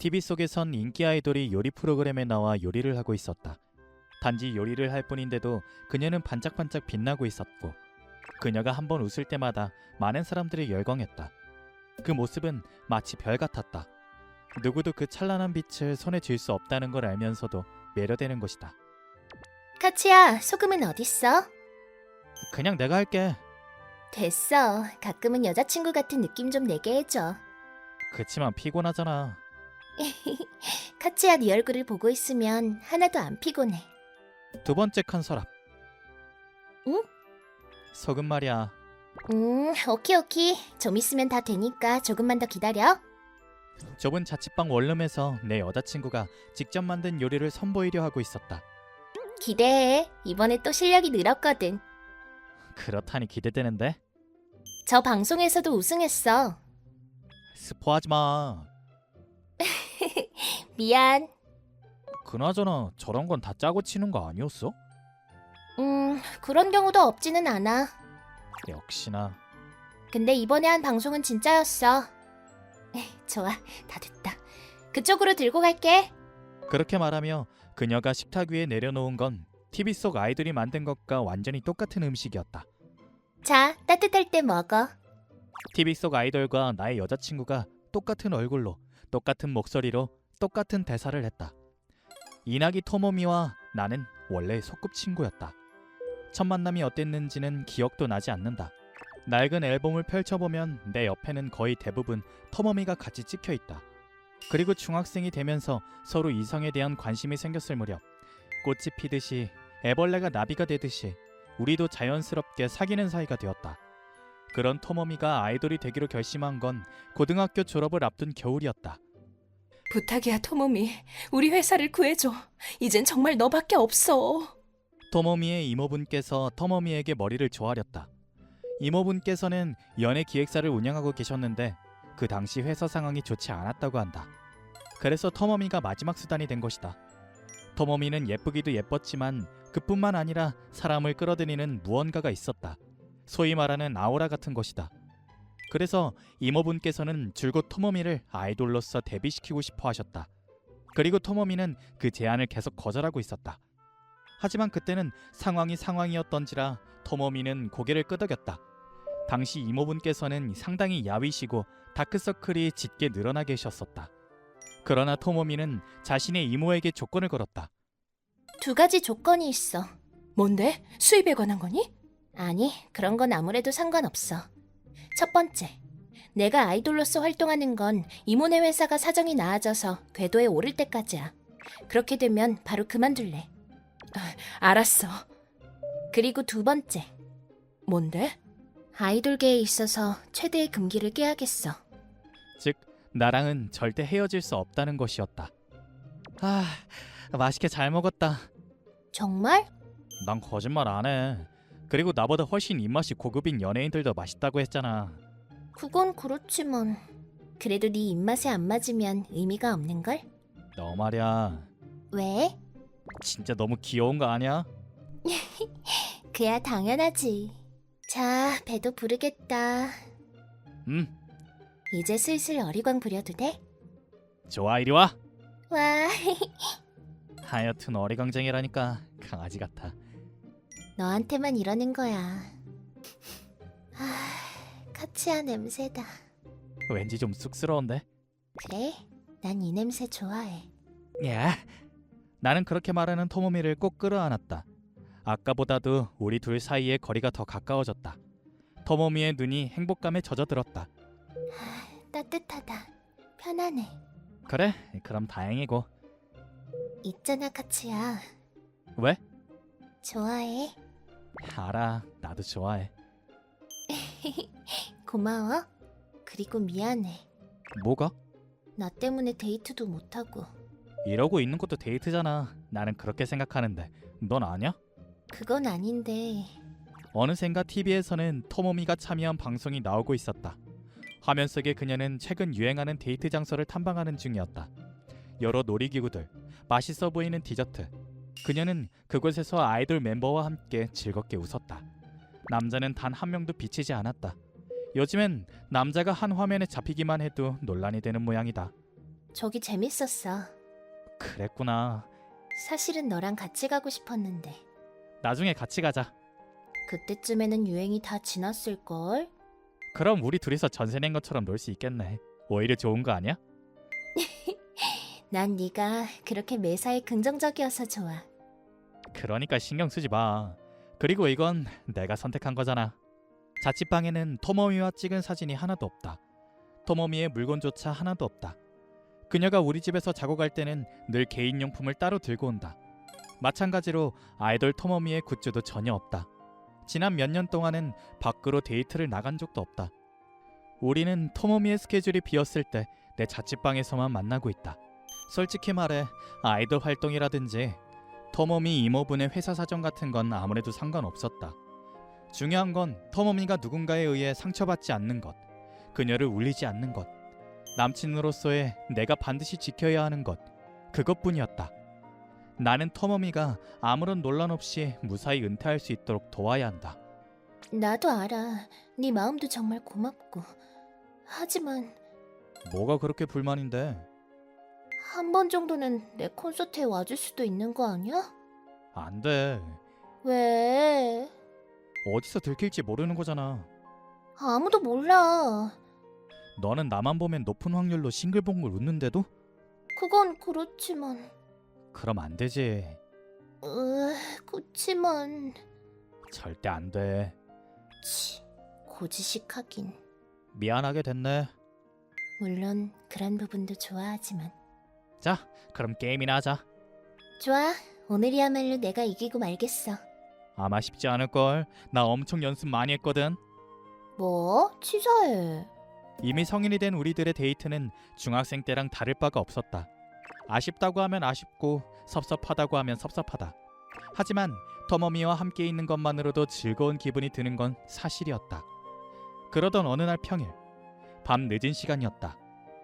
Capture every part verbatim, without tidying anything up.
티비 속에선 인기 아이돌이 요리 프로그램에 나와 요리를 하고 있었다. 단지 요리를 할 뿐인데도 그녀는 반짝반짝 빛나고 있었고, 그녀가 한번 웃을 때마다 많은 사람들이 열광했다. 그 모습은 마치 별 같았다. 누구도 그 찬란한 빛을 손에 쥘 수 없다는 걸 알면서도 매료되는 것이다. 카치야, 소금은 어딨어? 그냥 내가 할게. 됐어. 가끔은 여자친구 같은 느낌 좀 내게 해줘. 그치만 피곤하잖아. 카치야, 네 얼굴을 보고 있으면 하나도 안 피곤해. 두 번째 칸 서랍. 응? 소금 말이야. 음, 오키 오키. 좀 있으면 다 되니까 조금만 더 기다려. 좁은 자취방 원룸에서 내 여자친구가 직접 만든 요리를 선보이려 하고 있었다. 기대해. 이번에 또 실력이 늘었거든. 그렇다니 기대되는데? 저 방송에서도 우승했어. 스포하지 마. 미안. 그나저나 저런 건 다 짜고 치는 거 아니었어? 음, 그런 경우도 없지는 않아. 역시나. 근데 이번에 한 방송은 진짜였어. 좋아, 다 됐다. 그쪽으로 들고 갈게. 그렇게 말하며 그녀가 식탁 위에 내려놓은 건 티비 속 아이돌이 만든 것과 완전히 똑같은 음식이었다. 자, 따뜻할 때 먹어. 티비 속 아이돌과 나의 여자친구가 똑같은 얼굴로, 똑같은 목소리로, 똑같은 대사를 했다. 이나기 토모미와 나는 원래 소꿉친구였다. 첫 만남이 어땠는지는 기억도 나지 않는다. 낡은 앨범을 펼쳐보면 내 옆에는 거의 대부분 토모미가 같이 찍혀있다. 그리고 중학생이 되면서 서로 이성에 대한 관심이 생겼을 무렵, 꽃이 피듯이 애벌레가 나비가 되듯이 우리도 자연스럽게 사귀는 사이가 되었다. 그런 토모미가 아이돌이 되기로 결심한 건 고등학교 졸업을 앞둔 겨울이었다. 부탁이야, 토모미. 우리 회사를 구해줘. 이젠 정말 너밖에 없어. 토모미의 이모분께서 토모미에게 머리를 조아렸다. 이모분께서는 연예 기획사를 운영하고 계셨는데 그 당시 회사 상황이 좋지 않았다고 한다. 그래서 토모미가 마지막 수단이 된 것이다. 토모미는 예쁘기도 예뻤지만 그뿐만 아니라 사람을 끌어들이는 무언가가 있었다. 소위 말하는 아우라 같은 것이다. 그래서 이모분께서는 줄곧 토모미를 아이돌로서 데뷔시키고 싶어 하셨다. 그리고 토모미는 그 제안을 계속 거절하고 있었다. 하지만 그때는 상황이 상황이었던지라 토모미는 고개를 끄덕였다. 당시 이모분께서는 상당히 야위시고 다크서클이 짙게 늘어나 계셨었다. 그러나 토모미는 자신의 이모에게 조건을 걸었다. 두 가지 조건이 있어. 뭔데? 수입에 관한 거니? 아니, 그런 건 아무래도 상관없어. 첫 번째, 내가 아이돌로서 활동하는 건 이모네 회사가 사정이 나아져서 궤도에 오를 때까지야. 그렇게 되면 바로 그만둘래. 알았어. 그리고 두 번째, 뭔데? 아이돌계에 있어서 최대의 금기를 깨야겠어. 즉, 나랑은 절대 헤어질 수 없다는 것이었다. 아, 맛있게 잘 먹었다. 정말? 난 거짓말 안 해. 그리고 나보다 훨씬 입맛이 고급인 연예인들도 맛있다고 했잖아. 그건 그렇지만 그래도 네 입맛에 안 맞으면 의미가 없는걸? 너 말이야. 왜? 진짜 너무 귀여운 거 아니야? 그야 당연하지. 자, 배도 부르겠다. 음, 이제 슬슬 어리광 부려도 돼? 좋아, 이리 와. 와, 하여튼 어리광쟁이라니까 강아지 같아. 너한테만 이러는 거야. 아, 카치아 냄새다. 왠지 좀 쑥스러운데? 그래? 난 이 냄새 좋아해. 야, 나는 그렇게 말하는 토모미를 꼭 끌어안았다. 아까보다도 우리 둘 사이의 거리가 더 가까워졌다. 토모미의 눈이 행복감에 젖어들었다. 아, 따뜻하다. 편하네. 그래, 그럼 다행이고. 있잖아, 카치야. 왜? 좋아해. 알아, 나도 좋아해. 고마워. 그리고 미안해. 뭐가? 나 때문에 데이트도 못하고. 이러고 있는 것도 데이트잖아. 나는 그렇게 생각하는데 넌 아냐? 그건 아닌데. 어느샌가 티비에서는 토모미가 참여한 방송이 나오고 있었다. 화면 속의 그녀는 최근 유행하는 데이트 장소를 탐방하는 중이었다. 여러 놀이기구들, 맛있어 보이는 디저트. 그녀는 그곳에서 아이돌 멤버와 함께 즐겁게 웃었다. 남자는 단 한 명도 비치지 않았다. 요즘엔 남자가 한 화면에 잡히기만 해도 논란이 되는 모양이다. 저기 재밌었어. 그랬구나. 사실은 너랑 같이 가고 싶었는데 나중에 같이 가자. 그때쯤에는 유행이 다 지났을걸? 그럼 우리 둘이서 전세 낸 것처럼 놀 수 있겠네. 오히려 좋은 거 아니야? 난 네가 그렇게 매사에 긍정적이어서 좋아. 그러니까 신경 쓰지 마. 그리고 이건 내가 선택한 거잖아. 자취방에는 토모미와 찍은 사진이 하나도 없다. 토모미의 물건조차 하나도 없다. 그녀가 우리 집에서 자고 갈 때는 늘 개인용품을 따로 들고 온다. 마찬가지로 아이돌 토모미의 굿즈도 전혀 없다. 지난 몇 년 동안은 밖으로 데이트를 나간 적도 없다. 우리는 토모미의 스케줄이 비었을 때 내 자취방에서만 만나고 있다. 솔직히 말해 아이돌 활동이라든지 토모미 이모분의 회사 사정 같은 건 아무래도 상관없었다. 중요한 건 토모미가 누군가에 의해 상처받지 않는 것, 그녀를 울리지 않는 것, 남친으로서의 내가 반드시 지켜야 하는 것, 그것뿐이었다. 나는 토모미가 아무런 논란 없이 무사히 은퇴할 수 있도록 도와야 한다. 나도 알아. 네 마음도 정말 고맙고. 하지만 뭐가 그렇게 불만인데? 한 번 정도는 내 콘서트에 와줄 수도 있는 거 아니야? 안 돼. 왜? 어디서 들킬지 모르는 거잖아. 아무도 몰라. 너는 나만 보면 높은 확률로 싱글벙글 웃는데도? 그건 그렇지만... 그럼 안 되지. 으... 그치만... 절대 안 돼. 치... 고지식하긴. 미안하게 됐네. 물론 그런 부분도 좋아하지만. 자, 그럼 게임이나 하자. 좋아. 오늘이야말로 내가 이기고 말겠어. 아마 쉽지 않을걸. 나 엄청 연습 많이 했거든. 뭐? 치사해. 이미 성인이 된 우리들의 데이트는 중학생 때랑 다를 바가 없었다. 아쉽다고 하면 아쉽고 섭섭하다고 하면 섭섭하다. 하지만 토모미와 함께 있는 것만으로도 즐거운 기분이 드는 건 사실이었다. 그러던 어느 날 평일, 밤 늦은 시간이었다.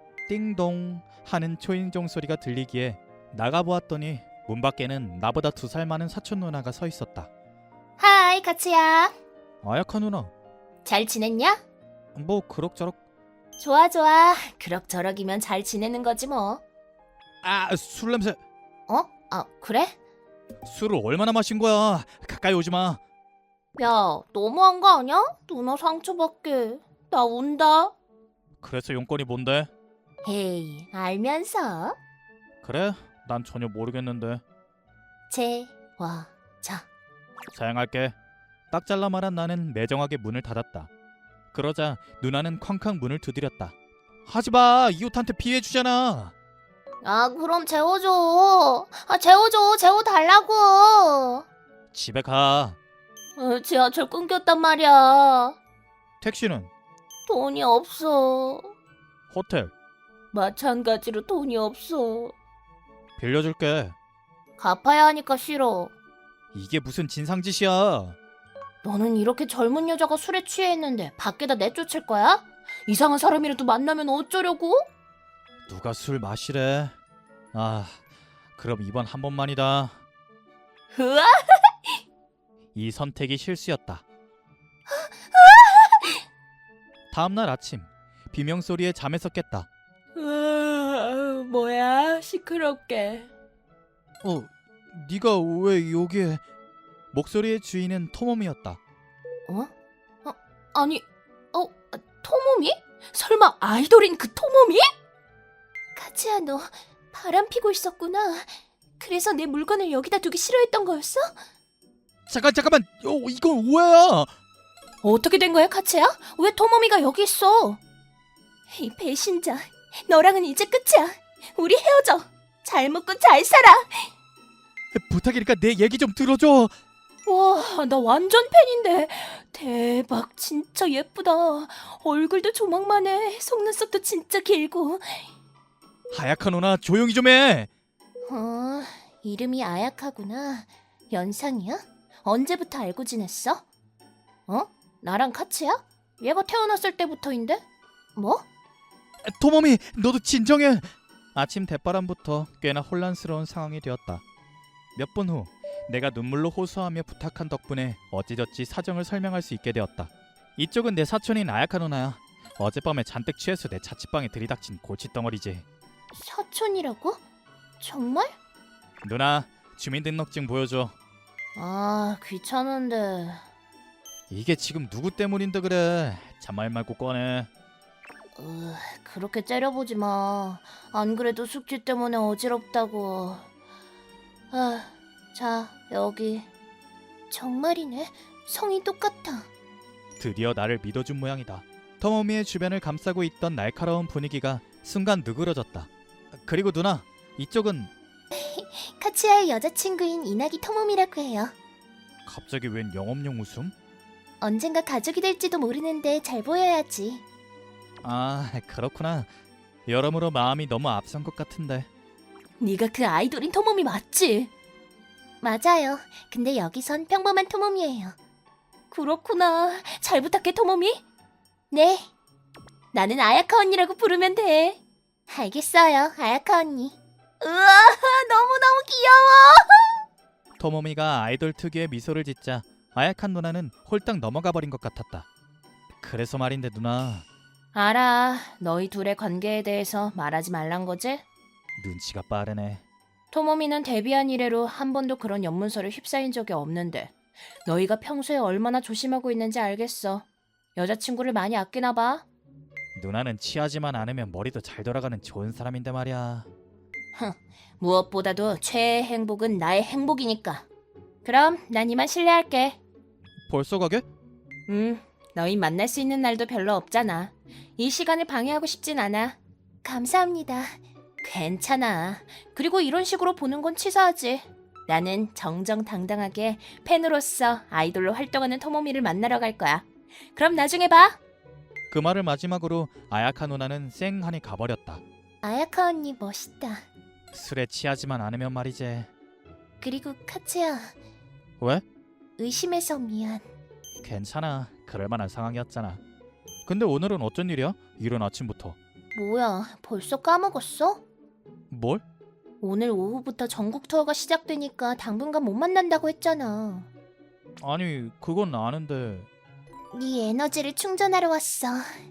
띵동 하는 초인종 소리가 들리기에 나가보았더니 문 밖에는 나보다 두 살 많은 사촌 누나가 서 있었다. 하이, 가츠야. 아야카 누나, 잘 지냈냐? 뭐 그럭저럭. 좋아, 좋아. 그럭저럭이면 잘 지내는 거지 뭐. 아, 술 냄새. 어? 아, 그래? 술을 얼마나 마신 거야? 가까이 오지 마. 야, 너무한 거 아니야? 누나 상처받게. 나 운다. 그래서 용건이 뭔데? 헤이, 알면서. 그래? 난 전혀 모르겠는데. 제, 와, 자. 사양할게. 딱 잘라 말한 나는 매정하게 문을 닫았다. 그러자 누나는 쾅쾅 문을 두드렸다. 하지마! 이웃한테 피해 주잖아. 아, 그럼 재워줘. 아, 재워줘. 재워달라고. 집에 가. 어, 지하철 끊겼단 말이야. 택시는? 돈이 없어. 호텔 마찬가지로 돈이 없어. 빌려줄게. 갚아야 하니까 싫어. 이게 무슨 진상짓이야. 너는 이렇게 젊은 여자가 술에 취해 있는데 밖에다 내쫓을 거야? 이상한 사람이라도 만나면 어쩌려고? 누가 술 마시래? 아, 그럼 이번 한 번만이다. 으아! 이 선택이 실수였다. 다음날 아침 비명소리에 잠에서 깼다. 으아, 뭐야? 시끄럽게. 어, 네가 왜 여기에? 목소리의 주인은 토모미였다. 어? 어? 아니, 어? 아, 토모미? 설마 아이돌인 그 토모미? 카즈야, 너 바람 피고 있었구나. 그래서 내 물건을 여기다 두기 싫어했던 거였어? 잠깐 잠깐만. 어, 이건 오해야. 어떻게 된 거야, 카츠야? 왜 토모미가 여기 있어? 이 배신자, 너랑은 이제 끝이야. 우리 헤어져. 잘 먹고 잘 살아. 부탁이니까 내 얘기 좀 들어줘. 와, 나 완전 팬인데. 대박, 진짜 예쁘다. 얼굴도 조망만해. 속눈썹도 진짜 길고. 하야카 누나 조용히 좀 해. 어, 이름이 아야카구나. 연상이야? 언제부터 알고 지냈어? 어? 나랑 카츠야? 얘가 태어났을 때부터인데? 뭐? 토모미, 너도 진정해. 아침 대바람부터 꽤나 혼란스러운 상황이 되었다. 몇 분 후 내가 눈물로 호소하며 부탁한 덕분에 어찌저찌 사정을 설명할 수 있게 되었다. 이쪽은 내 사촌인 아야카 누나야. 어젯밤에 잔뜩 취해서 내 자취방에 들이닥친 골칫덩어리지. 사촌이라고? 정말? 누나, 주민등록증 보여줘. 아, 귀찮은데. 이게 지금 누구 때문인데 그래? 잔말 말고 꺼내. 으, 그렇게 째려보지 마. 안 그래도 숙취 때문에 어지럽다고. 아, 자, 여기. 정말이네. 성이 똑같아. 드디어 나를 믿어준 모양이다. 터머미의 주변을 감싸고 있던 날카로운 분위기가 순간 누그러졌다. 그리고 누나, 이쪽은 카츠야의 여자친구인 이나기 토모미라고 해요. 갑자기 웬 영업용 웃음? 언젠가 가족이 될지도 모르는데 잘 보여야지. 아, 그렇구나. 여러모로 마음이 너무 앞선 것 같은데. 네가 그 아이돌인 토모미 맞지? 맞아요. 근데 여기선 평범한 토모미예요. 그렇구나. 잘 부탁해, 토모미. 네, 나는 아야카 언니라고 부르면 돼. 알겠어요, 아야카 언니. 우와, 너무너무 귀여워. 토모미가 아이돌 특유의 미소를 짓자 아약한 누나는 홀딱 넘어가 버린 것 같았다. 그래서 말인데 누나, 알아. 너희 둘의 관계에 대해서 말하지 말란 거지? 눈치가 빠르네. 토모미는 데뷔한 이래로 한 번도 그런 연문서를 휩싸인 적이 없는데 너희가 평소에 얼마나 조심하고 있는지 알겠어. 여자친구를 많이 아끼나 봐. 누나는 취하지만 않으면 머리도 잘 돌아가는 좋은 사람인데 말이야. 무엇보다도 최애의 행복은 나의 행복이니까. 그럼 난 이만 실례할게. 벌써 가게? 음, 너희 만날 수 있는 날도 별로 없잖아. 이 시간을 방해하고 싶진 않아. 감사합니다. 괜찮아. 그리고 이런 식으로 보는 건 치사하지. 나는 정정당당하게 팬으로서 아이돌로 활동하는 토모미를 만나러 갈 거야. 그럼 나중에 봐. 그 말을 마지막으로 아야카 누나는 쌩하니 가버렸다. 아야카 언니 멋있다. 술에 취하지만 않으면 말이지. 그리고 카츠야, 왜? 의심해서 미안. 괜찮아. 그럴 만한 상황이었잖아. 근데 오늘은 어쩐 일이야? 이른 아침부터. 뭐야, 벌써 까먹었어? 뭘? 오늘 오후부터 전국 투어가 시작되니까 당분간 못 만난다고 했잖아. 아니, 그건 아는데. 네 에너지를 충전하러 왔어.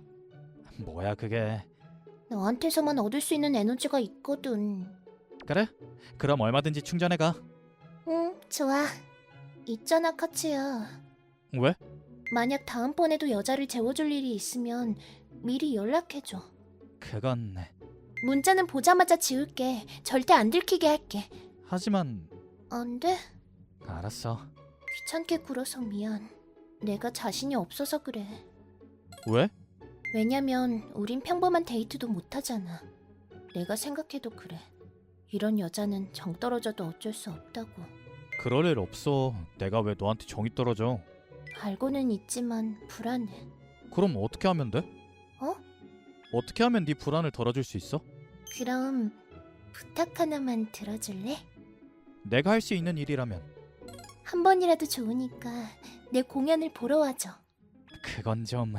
뭐야 그게. 너한테서만 얻을 수 있는 에너지가 있거든. 그래? 그럼 얼마든지 충전해가. 응, 좋아. 있잖아, 카츠야. 왜? 만약 다음번에도 여자를 재워줄 일이 있으면 미리 연락해줘. 그건... 문자는 보자마자 지울게. 절대 안 들키게 할게. 하지만... 안 돼? 알았어. 귀찮게 굴어서 미안. 내가 자신이 없어서 그래. 왜? 왜냐면 우린 평범한 데이트도 못하잖아. 내가 생각해도 그래. 이런 여자는 정 떨어져도 어쩔 수 없다고. 그럴 일 없어. 내가 왜 너한테 정이 떨어져? 알고는 있지만 불안해. 그럼 어떻게 하면 돼? 어? 어떻게 하면 네 불안을 덜어줄 수 있어? 그럼 부탁 하나만 들어줄래? 내가 할 수 있는 일이라면. 한 번이라도 좋으니까 내 공연을 보러 와줘. 그건 좀...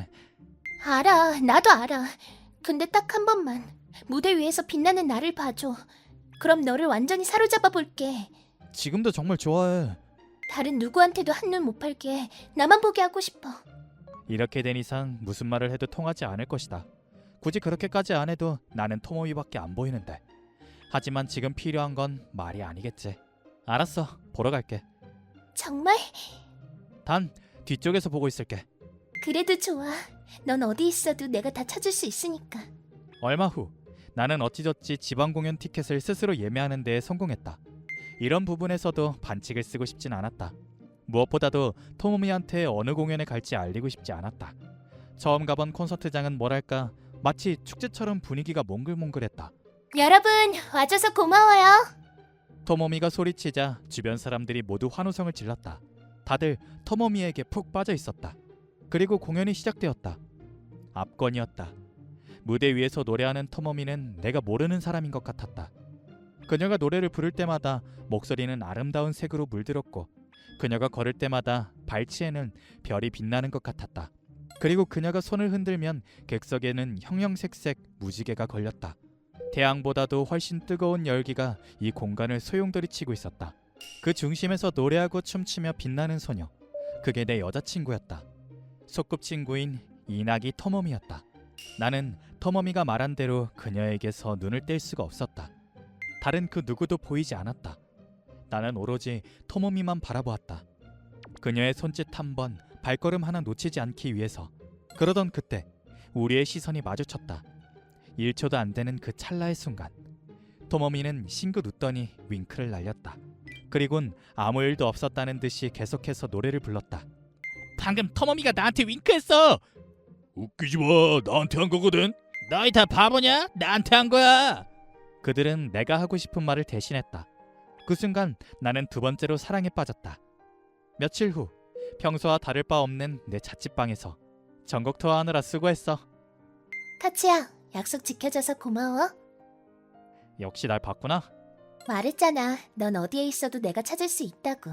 알아, 나도 알아. 근데 딱 한 번만 무대 위에서 빛나는 나를 봐줘. 그럼 너를 완전히 사로잡아 볼게. 지금도 정말 좋아해. 다른 누구한테도 한눈 못 팔게. 나만 보게 하고 싶어. 이렇게 된 이상 무슨 말을 해도 통하지 않을 것이다. 굳이 그렇게까지 안 해도 나는 토모미밖에 안 보이는데. 하지만 지금 필요한 건 말이 아니겠지. 알았어, 보러 갈게. 정말? 단 뒤쪽에서 보고 있을게. 그래도 좋아. 넌 어디 있어도 내가 다 찾을 수 있으니까. 얼마 후 나는 어찌저찌 지방 공연 티켓을 스스로 예매하는 데에 성공했다. 이런 부분에서도 반칙을 쓰고 싶진 않았다. 무엇보다도 토모미한테 어느 공연에 갈지 알리고 싶지 않았다. 처음 가본 콘서트장은 뭐랄까 마치 축제처럼 분위기가 몽글몽글했다. 여러분, 와줘서 고마워요. 토모미가 소리치자 주변 사람들이 모두 환호성을 질렀다. 다들 토모미에게 푹 빠져 있었다. 그리고 공연이 시작되었다. 압권이었다. 무대 위에서 노래하는 토모미는 내가 모르는 사람인 것 같았다. 그녀가 노래를 부를 때마다 목소리는 아름다운 색으로 물들었고 그녀가 걸을 때마다 발치에는 별이 빛나는 것 같았다. 그리고 그녀가 손을 흔들면 객석에는 형형색색 무지개가 걸렸다. 태양보다도 훨씬 뜨거운 열기가 이 공간을 소용돌이치고 있었다. 그 중심에서 노래하고 춤추며 빛나는 소녀. 그게 내 여자친구였다. 소꿉친구인 이나기 토모미였다. 나는 터머미가 말한 대로 그녀에게서 눈을 뗄 수가 없었다. 다른 그 누구도 보이지 않았다. 나는 오로지 터머미만 바라보았다. 그녀의 손짓 한 번, 발걸음 하나 놓치지 않기 위해서. 그러던 그때 우리의 시선이 마주쳤다. 일 초도 안 되는 그 찰나의 순간 토모미는 싱긋 웃더니 윙크를 날렸다. 그리곤 아무 일도 없었다는 듯이 계속해서 노래를 불렀다. 방금 터모미가 나한테 윙크했어. 웃기지 마. 나한테 한 거거든. 너희 다 바보냐? 나한테 한 거야. 그들은 내가 하고 싶은 말을 대신했다. 그 순간 나는 두 번째로 사랑에 빠졌다. 며칠 후 평소와 다를 바 없는 내 자취방에서 전국 투어하느라 수고했어. 카츠야, 약속 지켜줘서 고마워. 역시 날 봤구나. 말했잖아. 넌 어디에 있어도 내가 찾을 수 있다고.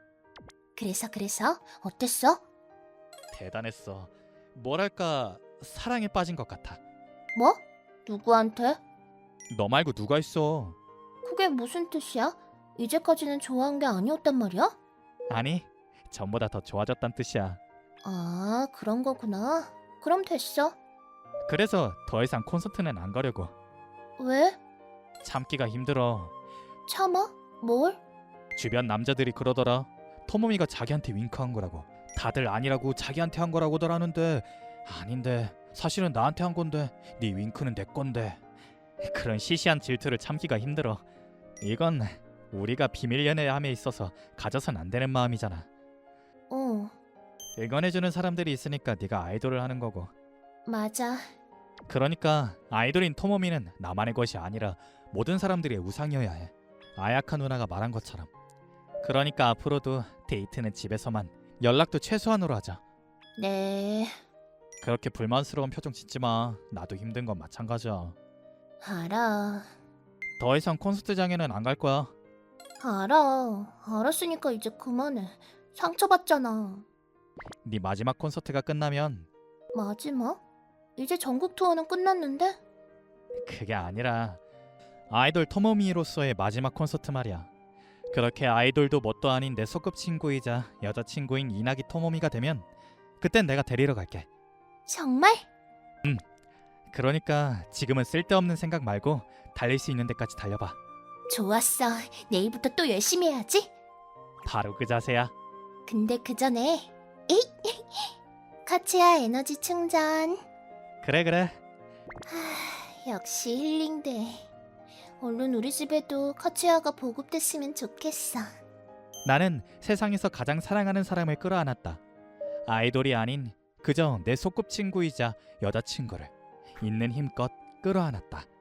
그래서 그래서 어땠어? 대단했어. 뭐랄까 사랑에 빠진 것 같아. 뭐? 누구한테? 너 말고 누가 있어? 그게 무슨 뜻이야? 이제까지는 좋아한 게 아니었단 말이야? 아니, 전보다 더 좋아졌단 뜻이야. 아, 그런 거구나. 그럼 됐어. 그래서 더 이상 콘서트는 안 가려고. 왜? 참기가 힘들어. 참아? 뭘? 주변 남자들이 그러더라. 토모미가 자기한테 윙크한 거라고. 다들 아니라고 자기한테 한 거라고들 하는데 아닌데 사실은 나한테 한 건데 네 윙크는 내 건데. 그런 시시한 질투를 참기가 힘들어. 이건 우리가 비밀 연애함에 있어서 가져선 안 되는 마음이잖아. 어, 응원해주는 사람들이 있으니까 네가 아이돌을 하는 거고. 맞아. 그러니까 아이돌인 토모미는 나만의 것이 아니라 모든 사람들의 우상이어야 해. 아야카 누나가 말한 것처럼. 그러니까 앞으로도 데이트는 집에서만, 연락도 최소한으로 하자. 네, 그렇게 불만스러운 표정 짓지 마. 나도 힘든 건 마찬가지야. 알아. 더 이상 콘서트장에는 안 갈 거야. 알아. 알았으니까 이제 그만해. 상처받잖아. 네 마지막 콘서트가 끝나면. 마지막? 이제 전국 투어는 끝났는데? 그게 아니라 아이돌 토모미로서의 마지막 콘서트 말이야. 그렇게 아이돌도 뭣도 아닌 내 소꿉친구이자 여자친구인 이나기 토모미가 되면 그땐 내가 데리러 갈게. 정말? 그러니까 지금은 쓸데없는 생각 말고 달릴 수 있는 데까지 달려봐. 좋았어. 내일부터 또 열심히 해야지. 바로 그 자세야. 근데 그 전에 에이! 카츠야 에너지 충전. 그래 그래. 하, 역시 힐링돼. 얼른 우리 집에도 카츠야가 보급됐으면 좋겠어. 나는 세상에서 가장 사랑하는 사람을 끌어안았다. 아이돌이 아닌 그저 내 소꿉친구이자 여자친구를 있는 힘껏 끌어안았다.